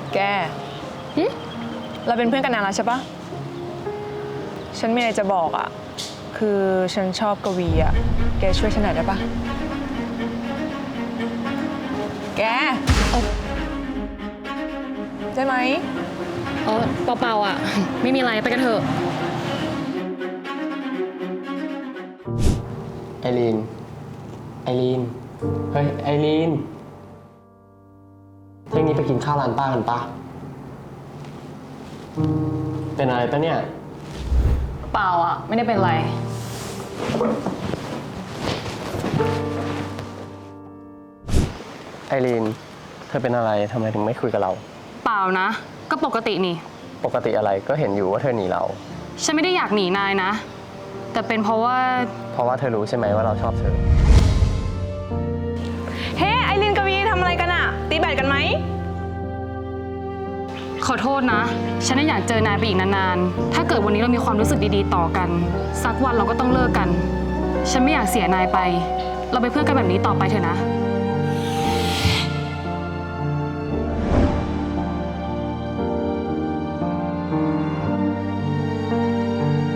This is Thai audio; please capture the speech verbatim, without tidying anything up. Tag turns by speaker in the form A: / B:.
A: แกเราเป็นเพื่อนกันนานแล้วใช่ปะฉันมีอะไรจะบอกอ่ะคือฉันชอบกวีอ่ะแกช่วยฉันหน่อยได้ปะแกได้ไหม
B: เออเปล่าๆอ่ะ ไม่มีอะไรไปกันเถอะ
C: ไอรีนไอรีนเฮ้ยไอรีนเที่ยงนี้ไปกินข้าวร้านป้ากันปะเป็นอะไรปะเนี่ย
B: เปล่าอ่ะไม่ได้เป็นไร
C: ไอรีนเธอเป็นอะไรทำไมถึงไม่คุยกับเรา
B: เปล่านะก็ปกตินี่
C: ปกติอะไรก็เห็นอยู่ว่าเธอหนีเรา
B: ฉันไม่ได้อยากหนีนายนะแต่เป็นเพราะว่า
C: เพราะว่าเธอรู้ใช่ไหมว่าเราชอบเธอ
A: เฮ้ไอรินกวีทำอะไรกันอะตีแบดกันไหม
B: ขอโทษนะฉันไม่อยากเจอนายไปอีกนานๆถ้าเกิดวันนี้เรามีความรู้สึกดีๆต่อกันสักวันเราก็ต้องเลิกกันฉันไม่อยากเสียนายไปเราเป็นเพื่อนกันแบบนี้ต่อไปเถอะนะ